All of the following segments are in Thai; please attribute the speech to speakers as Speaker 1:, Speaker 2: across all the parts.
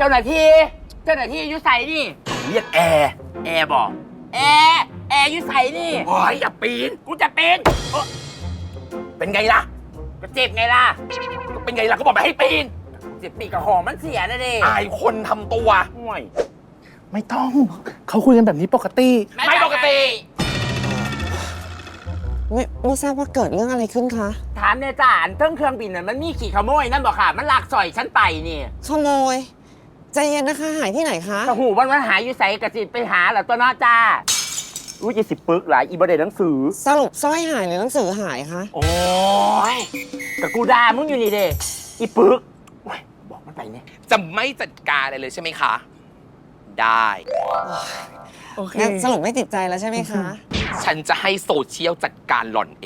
Speaker 1: จ้าหน้าที่อยู่ใส่นี่เรียกแอร์บอกแอร์อยู่ใส่นี่โอ้ยอย่าปีนกูจะปีนเป็นไงล่ะก็เจ็บไงล่ะก็เป็นไงล่ะก็บอกไม่ให้ปีนเจ็บปีกกับหอมมันเสียนะดิอายคนทำตัวห่วย
Speaker 2: ไม่ต้องเขาคุยกันแบบนี้ปกติ
Speaker 1: ไม่ปกติ
Speaker 3: ไม่ทราบว่าเกิดเรื่องอะไรขึ้นคะ
Speaker 1: ถามเนี่ยจ้าอันเครื่องบินน่ะมันมีขี่ขโมยนั่นบอกค่ะมันลักสอยฉันไปนี่
Speaker 3: ขโมยใจเย็นนะคะหายที่ไหนคะ
Speaker 1: กระหูวันหายอยู่ใส่กระจิไปหาแหละตัวน้อจ้าอุ้ย20 ปึกหลายอีบเดหนังสือ
Speaker 3: สรุปสร้อยหายหรือหนังสือหายคะ
Speaker 1: โอ้ยกับกูด่ามึงอยู่นี่เด้อีปึกโอ้ยบอกมันไปเนี่ย
Speaker 4: จะไม่จัดการอะไรเลยใช่ไหมคะ ได้
Speaker 2: โอเค
Speaker 3: งั้นสรุปไม่ติดใจแล้วใช่ไหมคะ
Speaker 4: ฉันจะให้โซเชียลจัดการหล่อนเอง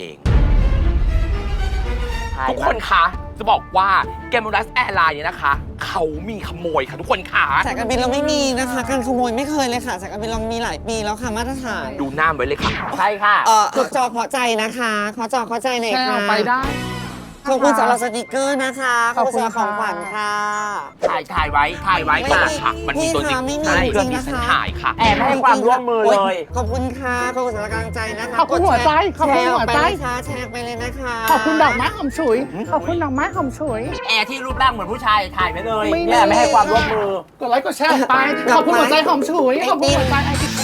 Speaker 4: ทุกคนคะ จะบอกว่าแกมรัสแอร์ไลน์เนี่ยนะคะ เขามีขโมยค่ะทุกคนค่ะ
Speaker 3: สายการบินเราไม่มีนะคะ การขโมยไม่เคยเลยค่ะสายการบินเรามีหลายปีแล้วค่ะมาตรฐาน
Speaker 4: ดูหน้าไว้เลยค่ะ
Speaker 1: ใช่ค่ะ
Speaker 3: ขอจอขอใจนะคะขอจอขอใจหน่อย
Speaker 2: แชร์อ
Speaker 3: ค่ะ
Speaker 2: อกไปได้
Speaker 3: ขอบคุณสำหรับสติกเกอร์นะคะขอบคุณสำหรับของขวัญค่ะ
Speaker 1: ถ่ายไว้
Speaker 4: ต่อ
Speaker 1: ค่ะ
Speaker 4: ค่ะ มันมีตัวจริง
Speaker 3: ไม่มี
Speaker 4: ใช่
Speaker 3: จริงๆ
Speaker 4: ที่
Speaker 3: นะคะ
Speaker 4: ฉันถ่ายค่ะ
Speaker 1: แอบไม่ให้ความร่วมมือเลย
Speaker 3: ขอบคุณค่ะขอบคุณสำหรับกำลังใจนะคะ
Speaker 2: ขอบคุณหัวใจขอบคุณหัวใจ
Speaker 3: แชร์ออกไปเลยนะคะ
Speaker 2: ขอบคุณดอกไม้หอมฉุย ขอบคุณดอกไม้หอมฉุย
Speaker 1: แอร์ที่รูปร่างเหมือนผู้ชายถ่ายไปเลย
Speaker 2: ไม่มี
Speaker 1: เนี่ยไม่ให้ความร่วมมือ
Speaker 2: กดไลค์กดแชร์ออกไป ขอบคุณหัวใจหอมฉุย ขอบคุณหัวใจไอติ